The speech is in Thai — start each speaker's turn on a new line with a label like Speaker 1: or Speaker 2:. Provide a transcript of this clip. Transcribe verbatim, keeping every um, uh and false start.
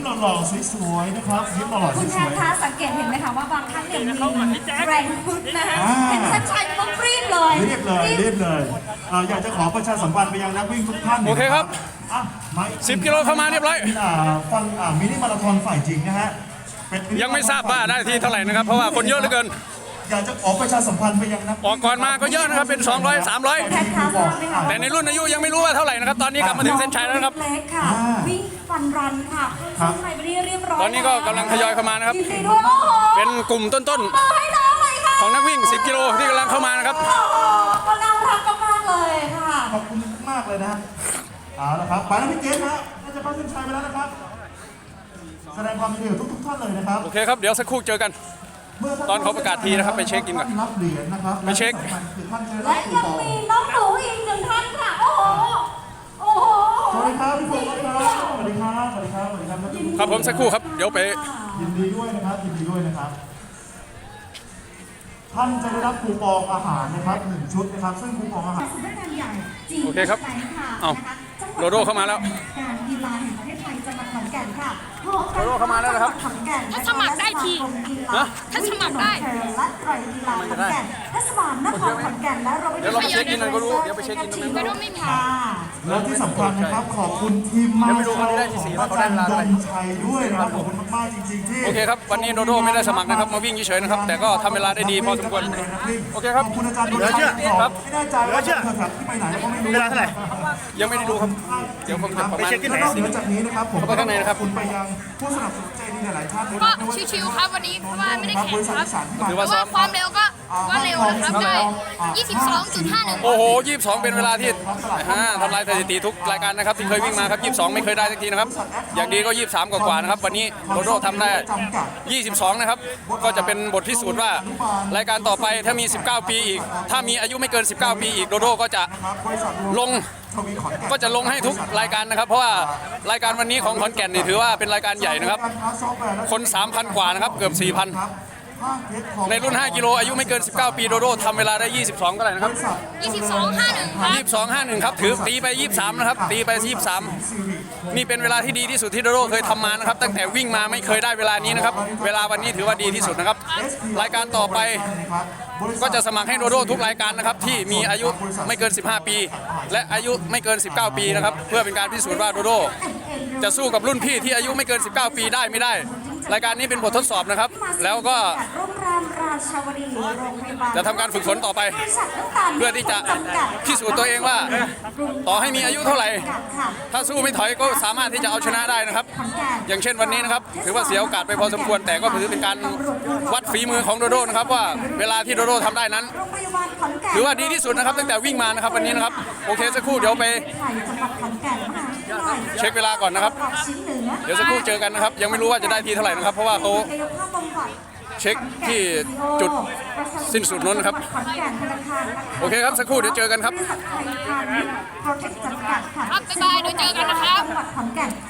Speaker 1: หล่อๆสวยๆนะครับยิ้มหล่อๆส
Speaker 2: คุณแท
Speaker 1: วน ย
Speaker 2: คะสังเกตเห็นไหมคะว่าบางท่านเนี่ยมีแรงพึ่งนะคะเห็นชัดชัยต้องรีบเลย
Speaker 1: ๆรีบเลยรีบเลยเอ่ออยากจะขอประชาสัมพันธ์ไปยังนักวิ่งทุกท่าน
Speaker 3: โอเคครับ
Speaker 1: อ่ะมาอี
Speaker 3: สิบกิโลเข้ามาเรียบร้อย
Speaker 1: อ่าฟังอ่ามินิมาราธอนฝ่ายจริงนะฮะเป็น
Speaker 3: ยังไม่ทราบว่าได้ที่เท่าไหร่นะครับเพราะว่าคนเยอะเหลือเกิน
Speaker 1: อยากจะขอประชาสัมพันธ์ไปยังนัก
Speaker 3: ออกก่อนมาก็เยอะนะครับเป็นสองร้อย สามร้อย
Speaker 2: แพทย์คะทราบไหมคะ
Speaker 3: แต่ในรุ่นอายุยังไม่รู้ว่าเท่าไหร่นะครับตอนนี้กลับมาถึงเส้นชัยแล้วนะครับ
Speaker 2: เล็กค่ะวิ่งฟันรันค่ะเข้าไปไปเรียบร้อย
Speaker 3: ตอนนี้ก็กำลังทยอยเข้ามานะครับ
Speaker 2: ยินดีด้วยโอ้โห
Speaker 3: เป็นกลุ่มต้น
Speaker 2: มาให้น้องเลยค่ะ
Speaker 3: ๆของนักวิ่งสิบกิโลที่กำลังเข้ามานะครับ
Speaker 2: โอ้โหก็น่ารักมากๆเลยค่ะ
Speaker 1: ขอบคุณมากเลยนะเอาละครับไปแล้วพี่เกศนะน่าจะเข้าเส้นชัยไปแล้วนะครับแสดงความยินดีกับทุกๆท่านเลยนะครับ
Speaker 3: โอเคครับเดี๋ยวสักครู่เจอกัน ตอนเขาประกาศทีนะครับไปเช็คกินก่อน
Speaker 1: รับเหรียญนะครับ
Speaker 3: ไปเช็ค
Speaker 1: และที่สำคัญคือท่านจะได้
Speaker 2: และ
Speaker 1: รับคู
Speaker 2: ยัง
Speaker 1: ปอง
Speaker 2: มีน้องหนูอีกหนึ่งท่านค่ะ โอ้โห โอ้โห
Speaker 1: สวัสดีครับพี่พงศ์ครับสวัสดีครับสวัสดีครับสวัสดีครับ
Speaker 3: ครับผมสักครู่ครับเดี๋ยวไป
Speaker 1: ยินดีด้วยนะครับยินดีด้วยนะครับ ท่านจะได้รับคูปองอาหารนะครับหนึ่งชุดนะครับซึ่งคูปองอาหาร
Speaker 2: สำนักงานใหญ่จริง
Speaker 3: โอเคครับ
Speaker 2: แสงค่ะ
Speaker 3: เอ้า
Speaker 2: นะคะจังหวัด
Speaker 3: โดโดเข้ามาแล้ว
Speaker 2: การกีฬาแห่งประเทศไทยจังหวัดขอนแก่นค่ะ
Speaker 3: โดโดเข้ามาแล้วนะครับ
Speaker 2: ขอนแก่น
Speaker 4: ถ้าสมัครได้ที
Speaker 3: ฮะ
Speaker 2: ถ้าสมัครได้และไตรกีฬาขอนแก่นเทศบาลนครขอนแก่นและเราไป
Speaker 3: เดี๋ยวเราไปเช็คอินกันก็รู้เดี๋ยวไปเช็คอินตรงนั้นก็รู้
Speaker 2: ค่ะ
Speaker 1: และที่สำคัญนะครับขอบคุณทีมมา
Speaker 3: เดี๋ยวไปดูคนที่ได้ที่สี่ว่าเขาได้เวลาเท่าไหร่
Speaker 1: ดนชัยด้วยนะครับขอบคุณมากๆจริงๆที่
Speaker 3: โอเคครับวันนี้โดโดไม่ได้สมัครนะครับมาวิ่งเฉยๆนะครับแต่ก็ทำเวลาได้ดีพอสมควรโอเคครับ
Speaker 1: ขอบคุณอาจารย์
Speaker 3: เหลือเชื่อครับ
Speaker 1: ไม่แน่ใจว่าเธอแบบที่ไปไหนแล้วก็ไม่รู้
Speaker 3: เวลาเท่าไหร่ยังไม่ได้ดูครับเดี๋ยวผมจะประมาณ
Speaker 1: แล้วนอกเหนือจากนี้นะครับผม
Speaker 3: เข้าไปข้างในนะครับ
Speaker 1: ขอคุณไปยังผู้สนับสนุนใจดีหลายๆท่านด้วย
Speaker 4: ก็
Speaker 1: นะไม่ว่าจะ
Speaker 4: ชิวๆครับวันนี้เพราะว่าไม่ได้แข่งครับ
Speaker 3: ถือ
Speaker 4: เพ
Speaker 3: ว่า
Speaker 4: ราะ
Speaker 3: ซ้อ
Speaker 4: ว่าม ความเร็วก็ว่าเร็วนะครับได้ ยี่สิบสองจุดห้าหนึ่ง
Speaker 3: โอ้โหยี่สิบสองเป็นเวลาที่อ่าทำลายสถิติทุกรายการนะครับที่เคยวิ่งมาครับยี่สิบสองไม่เคยได้สักทีนะครับอย่างดีก็ยี่สิบสามกว่าๆนะครับวันนี้โดโดทำได้ยี่สิบสองนะครับก็จะเป็นบทพิสูจน์ว่ารายการต่อไปถ้ามี สิบเก้า ปีอีก ถ้ามีอายุไม่เกิน สิบเก้า ปีอีกโดโดก็จะ
Speaker 1: ครับบริษัท
Speaker 3: ลง
Speaker 1: ทวีขอนแก่น
Speaker 3: ก็จะลงให้ทุกรายการนะครับ เพราะว่ารายการวันนี้ของขอนแก่นนี่ถือว่าเป็นรายการใหญ่นะครับ คน สามพัน กว่านะครับเกือบ สี่พัน ในรุ่น ห้า กิโลอายุไม่เกิน สิบเก้า ปีโดโดทำเวลาได้ ยี่สิบสองก็ได้นะครับ
Speaker 4: ยี่สิบสองห้าหนึ่งครับ
Speaker 3: ยี่สิบสอง ห้าหนึ่งครับถือตีไป ยี่สิบสาม นะครับตีไป ยี่สิบสาม นี่เป็นเวลาที่ดีที่สุดที่โดโดเคยทำมานะครับตั้งแต่วิ่งมาไม่เคยได้เวลานี้นะครับเวลาวันนี้ถือว่าดีที่สุดนะครับรายการต่อไปก็จะสมัครให้โดโดทุกรายการนะครับที่มีอายุไม่เกิน สิบห้า ปี และอายุไม่เกิน สิบเก้า ปีนะครับเพื่อเป็นการพิสูจน์ว่าโดโดจะสู้กับรุ่นพี่ที่อายุไม่เกิน สิบเก้า ปีได้ไม่ได้ รายการนี้เป็นบททดสอบนะครับแล้วก็
Speaker 2: โรงแรมราชาวดีโรงพยาบาล
Speaker 3: จะทำการฝึกฝนต่อไป
Speaker 2: บริษัทน้ำตาล
Speaker 3: เพื่อที่จะพิสูจน์ตัวเองว่าต่อให้มีอายุเท่าไหร่ ถ้าสู้ไม่ถอยก็สามารถที่จะเอาชนะได้นะครับ อย่างเช่นวันนี้นะครับถือว่าเสียโอกาสไปพอสมควร แต่ก็ถือเป็นการวัดฝีมือของโดโดนะครับว่าเวลาที่โดโดทำได้นั้น
Speaker 2: โรงพยาบาลขอนแก่น
Speaker 3: ถือว่าดีที่สุดนะครับตั้งแต่วิ่งมานะครับวันนี้นะครับโอเคสักครู่เดี๋ยวไป
Speaker 2: ไทยจังหวัดขอนแก่นมหาวิทยาลัย
Speaker 3: เช็คเวลาก่อนนะครับ
Speaker 2: จังหวัดชิ้นเหนือ
Speaker 3: เดี๋ยวสักครู่เจอกันนะครับยังไม่รู้ว่าจะได้ทีเท่าไหร่นะครับเพราะว่าเขา
Speaker 2: กายภาพบำบัด
Speaker 3: เช็คที่จุดสิ้นสุดนู้นนะครับ
Speaker 2: ขอนแก่นธนาคารนะคะ
Speaker 3: โอเคครับสักครู่เดี๋ยวเจอกันครับ
Speaker 2: บริษัทไทยพาณิชย์โปรเทคจำกัดค่ะ
Speaker 4: ครับบ๊ายบายเดี๋ยวเจอกันนะครับ
Speaker 2: จังหวัดขอนแก่น